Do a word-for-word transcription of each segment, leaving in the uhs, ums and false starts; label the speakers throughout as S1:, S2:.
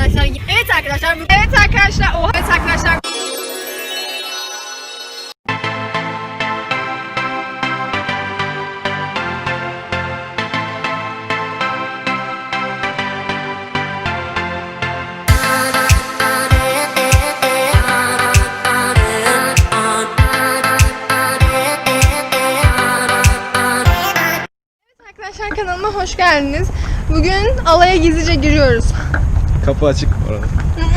S1: arkadaşlar. Evet arkadaşlar. Evet arkadaşlar. Oha. Evet arkadaşlar. Arkadaşlar kanalıma hoş geldiniz. Bugün alaya gizlice giriyoruz.
S2: Kapı açık bu arada.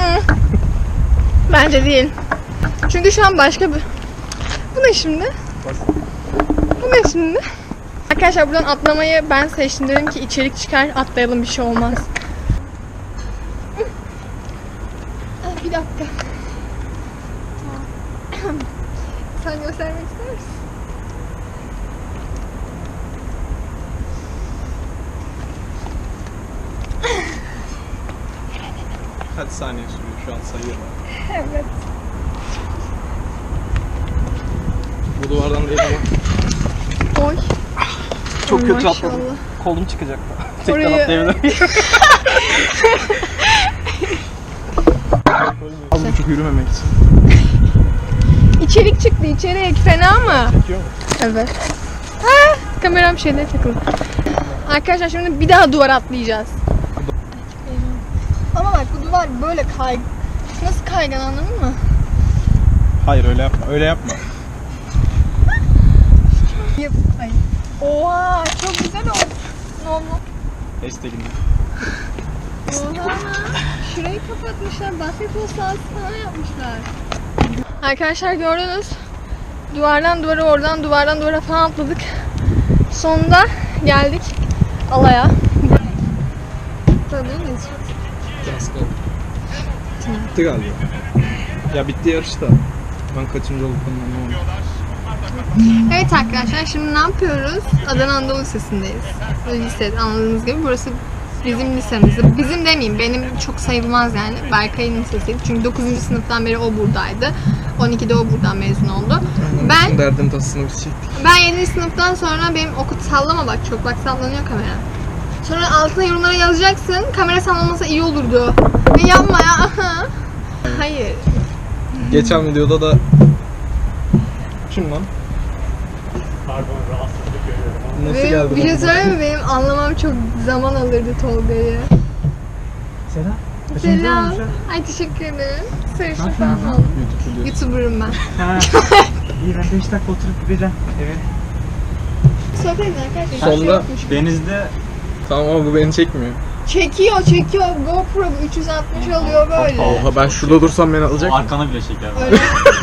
S1: Bence değil. Çünkü şu an başka bir... Bu ne şimdi? Bu ne şimdi? Arkadaşlar buradan atlamayı ben seçtim. Dedim ki içerik çıkar, atlayalım, bir şey olmaz. Bir dakika. Sen göstermek ister misin?
S2: Kaç saniye sürüyor şu an sayıyorum.
S1: Evet.
S2: Bu duvardan değil ama.
S1: Oy.
S2: Çok
S1: Oy,
S2: kötü
S1: maşallah.
S2: atladım. Kolum çıkacak da. Tekrar
S1: Orayı-
S2: atlayabilirim. Az buçuk yürümemek için.
S1: İçerik çıktı, içerik. Fena mı?
S2: Çekiyor mu?
S1: Evet. Ha, kameram şeyde takılı. Arkadaşlar şimdi bir daha duvar atlayacağız. Ama bak bu duvar böyle kay... Nasıl kaygan, anladın mı?
S2: Hayır öyle yapma. Öyle yapma.
S1: Yap. Ay. Oha, çok güzel oldu. Ne oldu?
S2: Hashtag'inde.
S1: Oha. Şurayı kapatmışlar. Basketbol sahası falan yapmışlar. Arkadaşlar gördünüz. Duvardan duvara, oradan duvardan duvara falan atladık. Sonunda geldik alaya. Tabii miyiz?
S2: Biraz kaldı. Bitti galiba. Ya bitti yarış da. Ben kaçıncı olduklarını anlamadım.
S1: Evet arkadaşlar, şimdi ne yapıyoruz? Adana Anadolu Lisesi'ndeyiz. Lise, anladığınız gibi burası bizim lisemiz. Bizim demeyeyim, benim çok sayılmaz yani. Berkay'ın lisesiydi. Çünkü dokuzuncu sınıftan beri o buradaydı. on ikide o buradan mezun oldu. Ben
S2: Derdin tasını biz çektik.
S1: ben yedinci sınıftan sonra benim okul sallama bak, çok bak sallanıyor kamera. Sonra altına yorumlara yazacaksın. Kamera sallanmasa iyi olurdu. Ne yapma ya. Hayır.
S2: Geçen videoda da kim lan?
S3: Pardon, rahatsızlık görüyorum.
S2: Nasıl
S1: Benim,
S2: geldi?
S1: bir şey
S2: lan?
S1: söyleyeyim mi? Benim anlamam çok zaman alırdı Tolga'yı.
S3: Selam.
S1: Selam. Ay teşekkür ederim. Sarışın falan oldum.
S2: YouTube videosu.
S1: YouTuber'ım ben.
S3: Ha. İyi, ben beş dakika oturup gideceğim eve.
S1: Sohbet edin arkadaşlar.
S2: Sonunda-
S1: Şey yokmuş.
S3: Denizde
S2: Tamam ama bu beni çekmiyor.
S1: Çekiyor çekiyor. GoPro üç yüz altmış alıyor böyle.
S2: Oha ben şurada dursam beni alacak mı?
S3: arkana bile çeker.
S1: Öyle.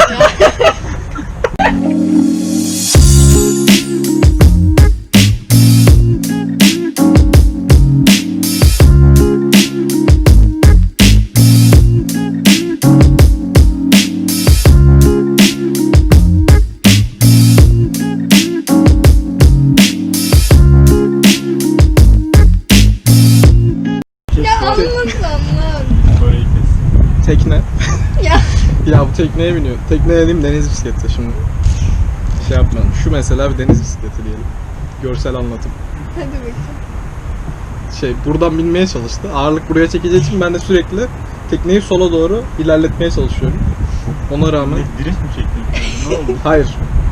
S1: Ya anlat anlat.
S3: Böyle kes.
S2: Tekne.
S1: Ya.
S2: Ya bu tekneye biniyor. Tekne dediğim deniz bisikleti şimdi. Şey yapmayalım. Şu mesela bir deniz bisikleti diyelim. Görsel anlatım.
S1: Hadi bakayım.
S2: Şey buradan binmeye çalıştı. Ağırlık buraya çekeceği için ben de sürekli tekneyi sola doğru ilerletmeye çalışıyorum. Ona rağmen
S3: Ne, drift mi çektin? Ne oldu?
S2: hayır.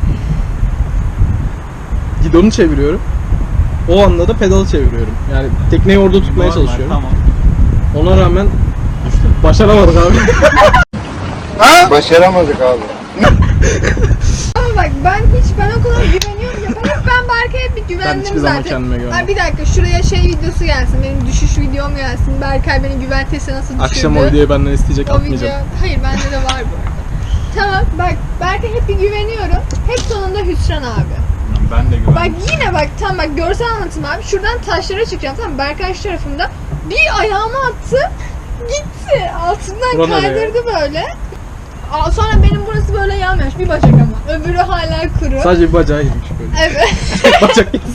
S2: Gidonu çeviriyorum. O anda da pedalı çeviriyorum. Yani tekneyi orada tutmaya
S3: Normal,
S2: çalışıyorum.
S3: Tamam.
S2: Ona rağmen başaramadık abi.
S4: Başaramadık abi.
S1: Ama bak ben hiç ben o kadar güveniyorum ya. Ben hep ben Berkay'a bir güvendim
S2: hiçbir zaman
S1: zaten.
S2: kendime güvenmem.
S1: Ay bir dakika şuraya şey videosu gelsin. Benim düşüş videom gelsin. Berkay beni güven testi nasıl düşürdü.
S2: Akşam o videoyu benden isteyecek,
S1: O video.
S2: atmayacağım.
S1: Hayır bende de var bu arada. Tamam bak Berkay'a hep bir güveniyorum. Hep sonunda hüsran abi.
S3: Ben de güvendim.
S1: Bak yine bak tam bak görsel anlatım abi. Şuradan taşlara çıkacağım tamam mı? Berkay şu tarafında bir ayağımı attı. Gitti. Altından
S2: Bura nereye?
S1: kaydırdı böyle. Aa, sonra benim burası böyle yanmış. Bir bacak ama. Öbürü hala kuru.
S2: Sadece bir bacağı girmiş böyle.
S1: Evet.
S2: Bacak girmiş.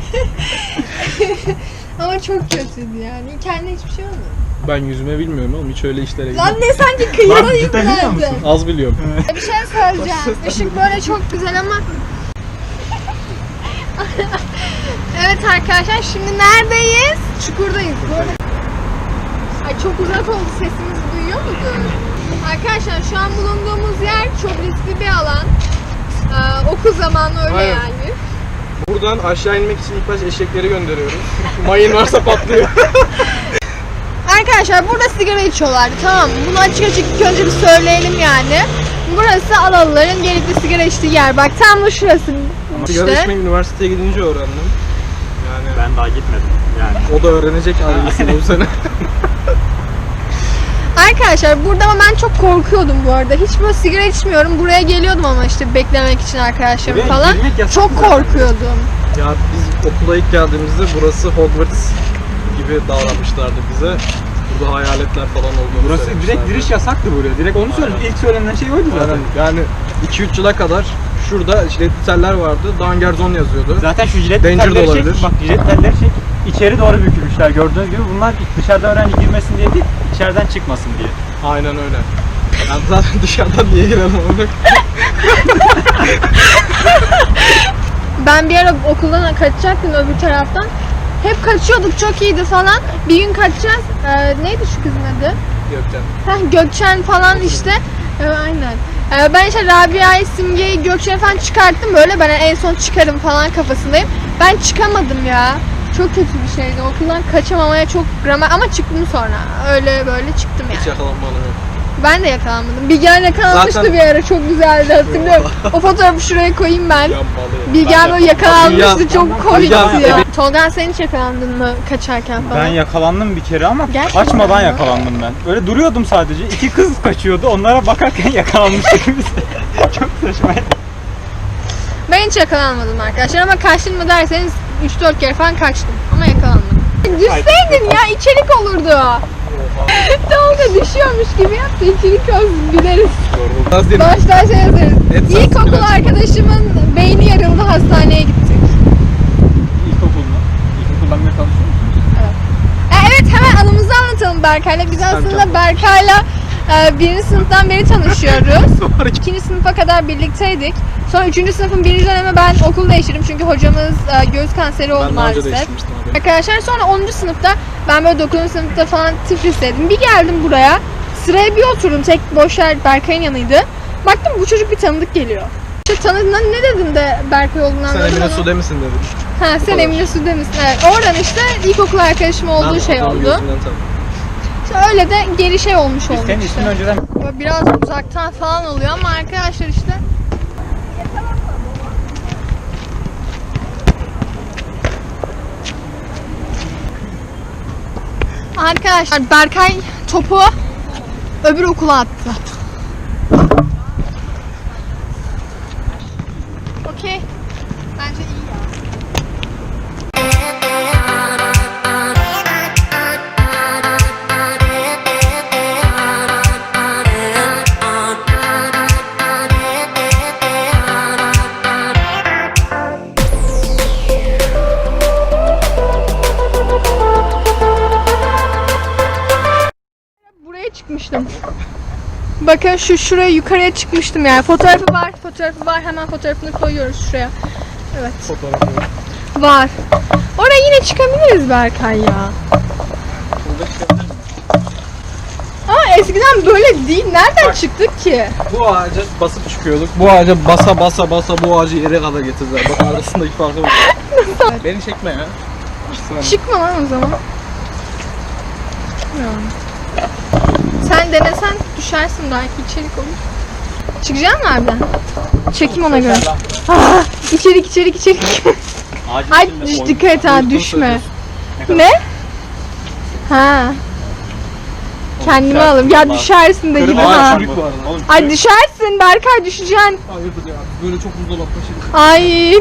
S1: Ama çok kötüydü yani. Kendine hiçbir şey olmadı.
S2: Ben yüzme bilmiyorum oğlum, hiç öyle işlere
S1: Lan
S2: girmem.
S1: ne sanki kıyıda
S3: Lan cidden biliyor
S1: yüklendi.
S3: musun?
S2: Az biliyorum.
S1: Bir şey söyleyeceğim. Işık böyle çok güzel ama... Evet arkadaşlar şimdi neredeyiz? Çukurdayız. Bu arada... Ay Ay çok uzak oldu, sesimizi duyuyor musunuz? Arkadaşlar şu an bulunduğumuz yer çok riskli bir alan. Ee, okul zamanı öyle
S2: Aynen.
S1: yani.
S2: Buradan aşağı inmek için ilk baş eşekleri gönderiyoruz. Mayın varsa patlıyor.
S1: Arkadaşlar burada sigara içiyorlardı, tamam mı? Bunu açık açık ilk önce bir söyleyelim yani. Burası Alalıların gelip de sigara içtiği yer. Bak tam da şurası
S2: Sigara
S1: işte.
S2: içmeyi üniversiteye gidince öğrendim. Yani
S3: Ben daha gitmedim yani.
S2: o da öğrenecek ailesini bu sene.
S1: Arkadaşlar burada ama ben çok korkuyordum bu arada. Hiç böyle sigara içmiyorum. Buraya geliyordum ama işte beklemek için arkadaşlarım
S3: Buraya
S1: falan.
S3: girmek yasak
S1: Çok
S3: zaten.
S1: korkuyordum.
S2: Ya biz okula ilk geldiğimizde burası Hogwarts gibi davranmışlardı bize. Burada hayaletler falan olduğunu
S3: Burası direkt
S2: söylemişlerdi.
S3: giriş yasaktı buraya. Direkt onu söyledim. İlk söylenen şey oydu zaten.
S2: Aynen. Yani iki üç yıla kadar şurada jiletli teller vardı. Danger Zone yazıyordu.
S3: Zaten şu jilet
S2: Danger de
S3: telleri
S2: olabilir.
S3: çek. Bak jilet telleri çek. İçeri doğru bükülmüşler gördüğünüz gibi. Bunlar dışarıda öğrenci girmesin diye değil, içeriden çıkmasın diye.
S2: Aynen öyle. Yani zaten dışarıdan niye girelim onu?
S1: Ben bir ara okuldan kaçacaktım öbür taraftan. Hep kaçıyorduk, çok iyiydi falan. Bir gün kaçacağız. Ee, neydi şu kızın adı?
S2: Gökten.
S1: Heh, Gökçen falan işte. Ee, aynen. Ee, ben işte Rabia'yı, Simge'yi, Gökçen'i falan çıkarttım böyle. Ben en son çıkarım falan kafasındayım. Ben çıkamadım ya. Çok kötü bir şeydi. Okuldan kaçamamaya çok gramer ama çıktım sonra. Öyle böyle çıktım
S2: Hiç
S1: yani.
S2: yakalanmadım yok.
S1: Ben de yakalanmadım. Bilgehan yakalanmıştı
S2: Zaten-
S1: bir ara, çok güzeldi hatırlıyorum. O fotoğrafı şuraya koyayım ben.
S2: Yanmalı.
S1: Bilgehan böyle yakalanmıştı,
S2: Bilgehan-
S1: çok komikti
S2: Bilgehan-
S1: ya.
S2: evet.
S1: Tolga sen hiç yakalandın mı kaçarken falan?
S3: Ben yakalandım bir kere ama
S1: Gerçekten
S3: kaçmadan
S1: mi?
S3: yakalandım ben. Öyle duruyordum sadece. İki kız kaçıyordu. Onlara bakarken yakalanmıştık biz. Çok saçmaydı.
S1: Ben hiç yakalanmadım arkadaşlar ama kaçtın mı derseniz üç dört kere falan kaçtım ama yakalanmadım. Düşseydin ya, içerik olurdu. Tolga düşüyormuş gibi yaptı, içerik olsun, güleriz.
S2: Biraz dinle.
S1: Baştan şey yazarız.
S2: Et
S1: İlkokul
S2: biraz.
S1: arkadaşımın beyni yarıldı, hastaneye gittik.
S3: İlkokul mu? İlkokuldan beri tanışıyor musunuz?
S1: E, evet, hemen anımızı anlatalım Berkay'la. Biz aslında Berkay'la e, birinci sınıftan beri tanışıyoruz. İkinci sınıfa kadar birlikteydik. Sonra üçüncü sınıfın birinci dönemi ben okul değiştirdim çünkü hocamız e, göğüs kanseri oldu
S2: Ben daha önce
S1: maalesef.
S2: değiştirmiştim abi.
S1: Arkadaşlar sonra onuncu sınıfta ben böyle dokuzuncu sınıfta falan Tiflis'teydim. Bir geldim buraya, sıraya bir oturdum, tek boş yer Berkay'ın yanıydı. Baktım bu çocuk bir tanıdık geliyor. İşte tanıdığında ne dedim de Berkay olduğunu
S2: Sen
S1: anladım
S2: Emine
S1: ama.
S2: Sude misin dedim.
S1: Ha, sen
S2: kadar.
S1: Emine Sude misin? Evet. Oradan işte ilkokul arkadaşım olduğu
S2: Ben
S1: şey
S2: adamın
S1: oldu.
S2: gözünden tanıdım.
S1: İşte öyle de geri şey olmuş
S3: Biz
S1: oldu
S3: senin
S1: işte.
S3: ismin önceden
S1: Böyle biraz uzaktan falan oluyor ama arkadaşlar işte. Arkadaşlar Berkay topu öbür okula attı. Okey. Bence iyi ya. Buraya çıkmıştım. Bakın şu şuraya yukarıya çıkmıştım yani. Fotoğrafı var, fotoğrafı var. Hemen fotoğrafını koyuyoruz şuraya. Evet.
S2: Fotoğrafı yok.
S1: Var. Oraya yine çıkabiliriz Berkay ya.
S2: Burada çıkabilir miyim?
S1: Aa eskiden böyle değil. Nereden
S2: Bak.
S1: çıktık ki?
S2: Bu ağaca basıp çıkıyorduk. Bu ağaca basa basa basa bu ağacı yere kadar getirdiler. Bak arasındaki farkı bak. Beni çekme ya. Sen-
S1: Çıkma lan o zaman. Ya. Sen denesen düşersin, belki içerik olur. Çıkacak mı harbiden? Çekim ona göre. Ah, içerik içerik içerik.
S3: ağacın
S1: Ay
S3: içinde
S1: düş,
S3: oyun-
S1: dikkat et ha,
S2: Uygun
S1: düşme.
S2: söylüyorsun.
S3: kadar-
S1: Ne? Ha. Kendimi
S3: Oğlum,
S1: alırım. Ya
S3: Allah.
S1: düşersin de gibi
S2: Kırmızı
S1: ha.
S2: ağaç çürük bu arada.
S3: Oğlum,
S1: Ay düşersin Berkay, düşeceksin.
S2: Hayırdır ya. Böyle çok buzdolapta şey.
S1: Ay.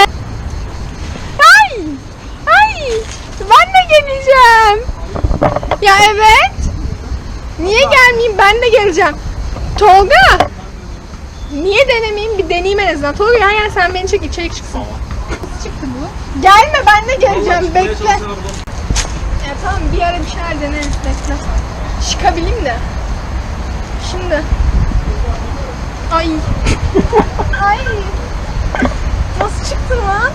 S1: Ay. Ay. Ben de geleceğim. Ya evet. Niye gelmeyeyim? Ben de geleceğim. Tolga. Niye denemeyeyim? Bir deneyeyim en azından. Tolga gel gel, sen beni çek, içerik çıksın. Nasıl çıktı bu? Gelme, ben de geleceğim. Bekle. Ya tamam, bir ara bir şeyler deneriz. Bekle. Çıkabileyim de. Şimdi. Ay. Ay. Nasıl çıktın lan?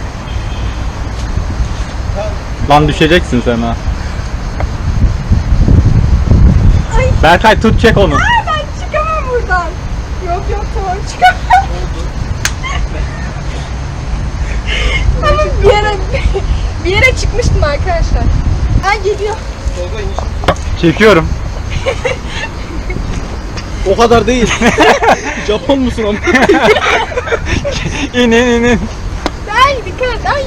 S3: Lan düşeceksin sen ha. Berkay tut çek onu.
S1: Ben çıkamam buradan. Yok yok tamam çıkamam. Ama bir yere bir yere çıkmıştım arkadaşlar. Ay geliyor.
S3: Çekiyorum.
S2: O kadar değil. Japon musun ama?
S3: İn in in in.
S1: Ay dikkat et ay.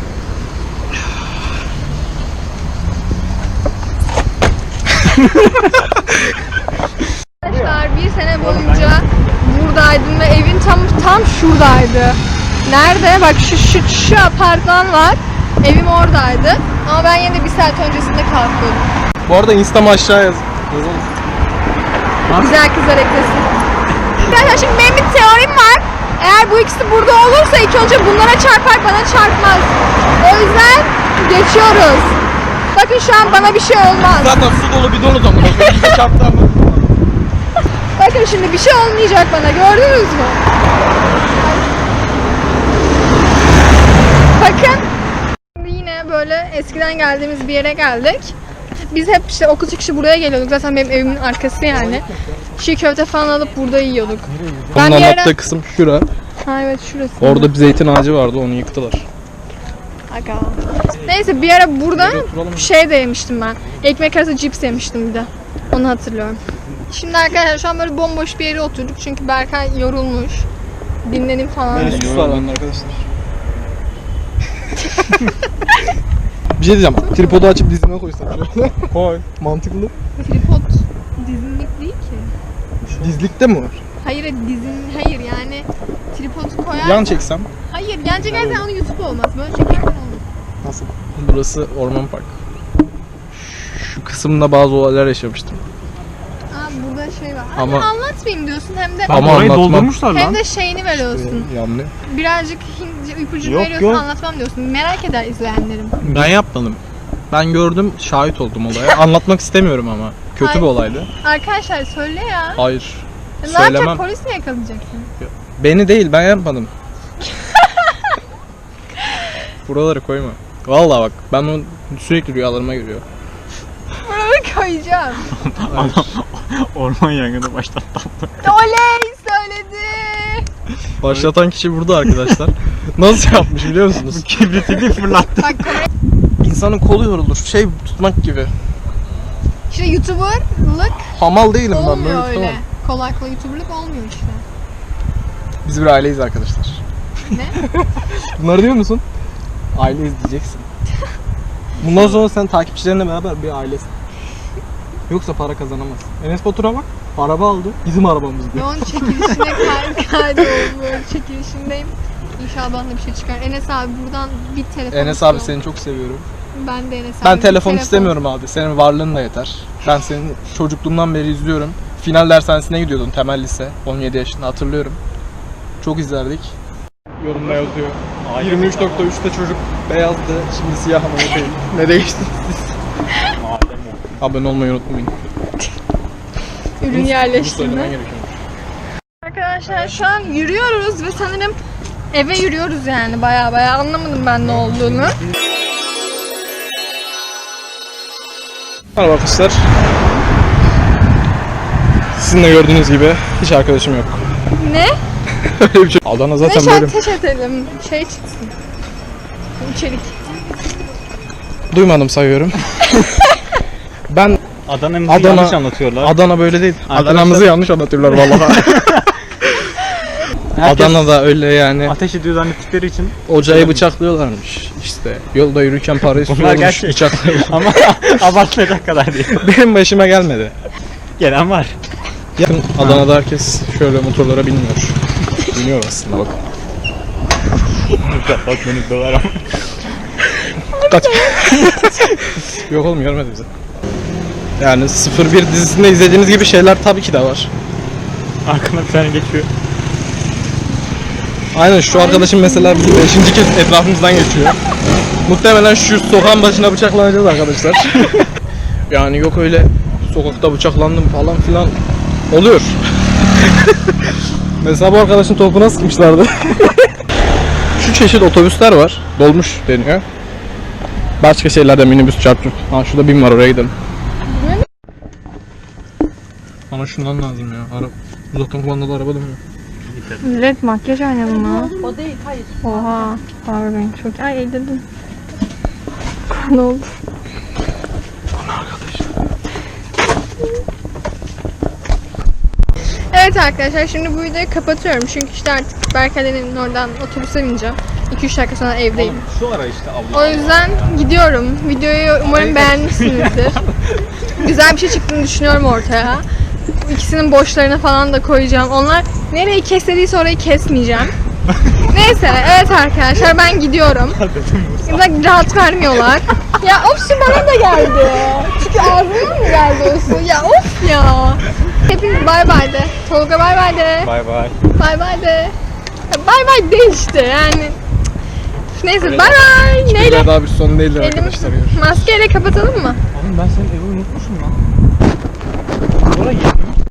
S1: Arkadaşlar bir sene boyunca buradaydım ve evin tam tam şuradaydı. Nerede? Bak şu şu şu apartman var. Evim oradaydı. Ama ben yine bir saat öncesinde kalkıyordum.
S2: Bu arada Insta'mı aşağı yaz. Yazalım.
S1: Güzel kızlar eklesin. Arkadaşlar şimdi benim bir teorim var. Eğer bu ikisi burada olursa ilk önce bunlara çarpar, bana çarpmaz. O yüzden geçiyoruz. Bakın şu an bana bir şey olmaz.
S2: Zaten su dolu bidon o zaman. Bize çarptı ama.
S1: Bakın şimdi bir şey olmayacak bana, gördünüz mü? Bakın. Şimdi yine böyle eskiden geldiğimiz bir yere geldik. Biz hep işte okul çıkışı buraya geliyorduk. Zaten benim evimin arkası yani. Çiğ köfte falan alıp burada yiyorduk.
S2: Onun
S1: bir ara-
S2: anlattığı kısım şura.
S1: Ha evet şurası.
S2: Orada bir zeytin ağacı vardı, onu yıktılar.
S1: Aga. Neyse bir ara burada
S2: Şöyle oturalım.
S1: şey de yemiştim ben. Ekmek arası cips yemiştim bir de. Onu hatırlıyorum. Şimdi arkadaşlar şu an böyle bomboş bir yere oturduk çünkü Berkay yorulmuş. Dinlenim falan. dedi.
S2: Sus var bende arkadaşlar. Bir şey diyeceğim. Tripodu açıp dizime koysam şöyle. Koy. Mantıklı.
S1: Tripod dizinlik değil ki.
S2: Dizlikte mi var?
S1: Hayır dizin hayır yani tripod koyar.
S2: Yan çeksem.
S1: Hayır yan çekersen onu YouTube olmaz. Böyle çekersen olur.
S2: Nasıl? Burası Orman Park. Şu kısımda bazı olaylar yaşamıştım.
S1: Aa burada şey var.
S2: Ama-
S1: Ama anlatmayayım diyorsun hem de
S2: Ama
S3: Ama orayı
S2: anlatmam.
S3: doldurmuşlar
S1: hem
S3: lan.
S1: de şeyini veriyorsun.
S2: Yani
S1: Birazcık Hintçe ipucu
S3: Yok,
S1: veriyorsun
S3: yok.
S1: anlatmam diyorsun. Merak eder izleyenlerim.
S2: ben yapmadım. Ben gördüm, şahit oldum olaya. Anlatmak istemiyorum ama. Kötü
S1: Hayır.
S2: bir olaydı.
S1: Arkadaşlar söyle ya.
S2: Hayır.
S1: Ya ne yapacak
S2: Söylemem.
S1: polis mi yakalayacaksın?
S2: Beni değil, ben yapmadım. Buraları koyma. Vallahi bak, ben onu sürekli rüyalarıma giriyor.
S1: Buraları koyacağım.
S3: Orman yangını başlattı.
S1: Oley söyledi.
S2: Başlatan kişi burada arkadaşlar. Nasıl yapmış biliyor musunuz?
S3: Kibritini fırlattı.
S1: Bak kamera.
S2: İnsanın kolu yorulur. Şey tutmak gibi.
S1: İşte YouTuber'lık
S2: Hamal değilim ben, böyle
S1: olmuyor öyle.
S2: tutamam.
S1: Kolay kolay YouTuber'lık olmuyor işte.
S2: Biz bir aileyiz arkadaşlar.
S1: Ne?
S2: Bunları diyor musun? Aileyiz diyeceksin. Bundan sonra sen takipçilerinle beraber bir ailesin. Yoksa para kazanamazsın. Enes Batur'a bak. Araba aldı. Bizim arabamız diyor.
S1: Yoğun çekilişine kay kaydoldum. Böyle çekilişindeyim. İnşallah bana bir şey çıkar. Enes abi buradan bir telefon
S2: Enes abi
S1: istiyorum.
S2: seni çok seviyorum.
S1: Ben de Enes abi.
S2: Ben
S1: bir
S2: telefon istemiyorum abi. Senin varlığın da yeter. Ben seni çocukluğumdan beri izliyorum. Final dershanesine gidiyordun, temel lise. on yedi yaşında hatırlıyorum. Çok izlerdik. Yorumda yazıyor. yirmi üç nokta üçte çocuk beyazdı. Şimdi siyah ama o değil. Ne değiştiniz siz? Abone olmayı unutmayın.
S1: Ürün
S2: Bunu
S1: yerleştirme.
S2: söylemen gerekiyor.
S1: Arkadaşlar şu an yürüyoruz ve sanırım eve yürüyoruz yani baya baya anlamadım ben ne olduğunu.
S2: Merhaba arkadaşlar. Sizin de gördüğünüz gibi hiç arkadaşım yok.
S1: Ne?
S2: Öyle bir şey. Adana zaten
S1: Neşe
S2: böyle.
S1: ateş edelim. Şey çıksın. İçerik.
S2: Duymadım sayıyorum. Ben
S3: Adana'mızı
S2: Adana-
S3: yanlış anlatıyorlar.
S2: Adana böyle değil.
S3: Arkadaşlar-
S2: Adana'mızı yanlış anlatıyorlar vallahi.
S3: Herkes
S2: Adana'da öyle yani.
S3: ateş ediyor zannettikleri için.
S2: Ocağı bıçaklıyorlarmış. İşte yolda yürürken para istiyormuş,
S3: gerçek.
S2: bıçaklıyorlar.
S3: Ama abartmayacak kadar değil.
S2: Benim başıma gelmedi.
S3: Gelen var.
S2: Yakın Adana'da herkes şöyle motorlara binmiyor. Biniyor aslında bak.
S3: Bak beni döver ama.
S2: Kaç. Yok oğlum görmedi bizi. Yani sıfır bir dizisinde izlediğiniz gibi şeyler tabii ki de var.
S3: Arkana bir tane geçiyor.
S2: Aynen şu arkadaşım mesela bizim beşinci kez etrafımızdan geçiyor. Muhtemelen şu sokağın başına bıçaklanacağız arkadaşlar. Yani yok öyle sokakta bıçaklandım falan filan oluyor. Mesela bu arkadaşın topuna sıkmışlardı. Şu çeşit otobüsler var. Dolmuş deniyor. Başka şeylerde minibüs, çarptır. Ha şurada bin var, oraya gidelim. Bana şundan lazım ya. Araba. Uzaktan kumandalı araba dönüyor.
S1: Millet makyaj oynadı mı? O değil, hayır. Oha. Pardon, çok... Ay elledim. Ne oldu? Evet arkadaşlar, şimdi bu videoyu kapatıyorum çünkü işte artık Berkay'ın oradan otobüse bineceğim. iki üç dakika sonra evdeyim.
S2: Şu ara işte abla.
S1: O yüzden gidiyorum. Videoyu umarım beğenmişsinizdir. Güzel bir şey çıktığını düşünüyorum ortaya. Bu İkisinin boşlarına falan da koyacağım. Onlar nereyi keslediyse orayı kesmeyeceğim. Neyse, evet arkadaşlar ben gidiyorum. Bak rahat vermiyorlar. Ya of su bana da geldi. Çünkü ağzıma mı geldi o su? Ya of ya. Hepiniz bay bay de. Tolga bay bay de.
S3: Bay bay.
S1: Bay bay de. Ya bay bay de işte yani. Neyse bay bay. Neyle?
S2: Daha bir son değildir
S1: Elim
S2: arkadaşlar. Görüşürüz.
S1: maskeyle kapatalım mı?
S3: Oğlum ben senin evi unutmuşum lan.